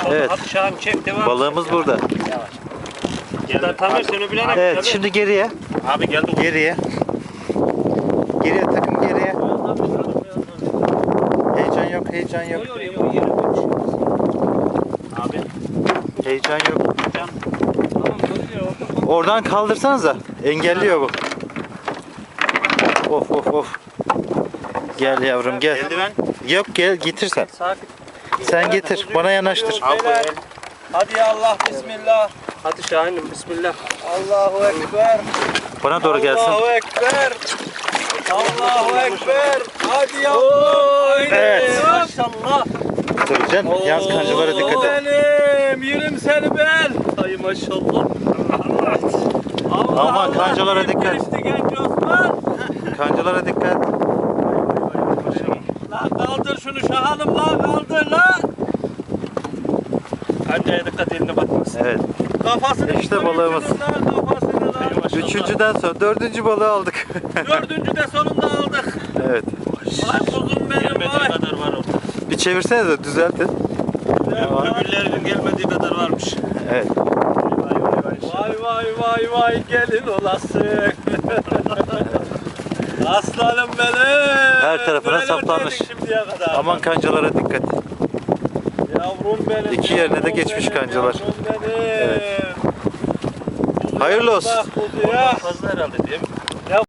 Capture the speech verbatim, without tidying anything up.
Evet. Hadi Şahan çek devam. Balığımız burada. Gel Tamer sen öbürüne. Evet, şimdi geriye. Abi gel dur. Geriye. Geriye takım geriye. Heyecan yok, heyecan yok. Abi. Heyecan yok. Oradan kaldırsanıza. Engelliyor bu. Of of of. Gel yavrum gel. Eldiven. Yok gel getir sen. Sakin. Sen getir. Bana yanaştır. Al bu el. Hadi ya Allah bismillah. Hadi Şahin'im bismillah. Allahu ekber. Bana doğru gelsin. Allahu ekber. Allahu ekber. Hadi ya Allah. Evet. Maşallah. Dur can. Yalnız kancalara dikkat et. Benim yerim seni ben. Ay maşallah. Allah Aman kancalara dikkat. Geçti genç Osman. Kancalara dikkat. Lan kaldır şunu Şahan'ım lan kaldır lan. Kancaya dikkat eline batmasın. Evet. Kafasını İşte balığımız. Lan kafasını lan. Üçüncüden sonra dördüncü balığı aldık. Dördüncü de sonunda aldık. Evet. Vay kuzum benim Gelmediği vay. kadar var orada. Bir çevirsene de düzeltin. Öbürlerinin gelmediği kadar varmış. Evet. Vay vay vay vay gelin olasın. Aslanım benim. Her tarafına Böyle saplanmış. öteydik şimdiye kadar. Aman kancalara dikkat. Yavrum benim. İki yerine de yavrum geçmiş benim, kancalar. yavrum benim. Evet. Hayırlı olsun. Bak kuzuya. Fazla herhalde değil mi?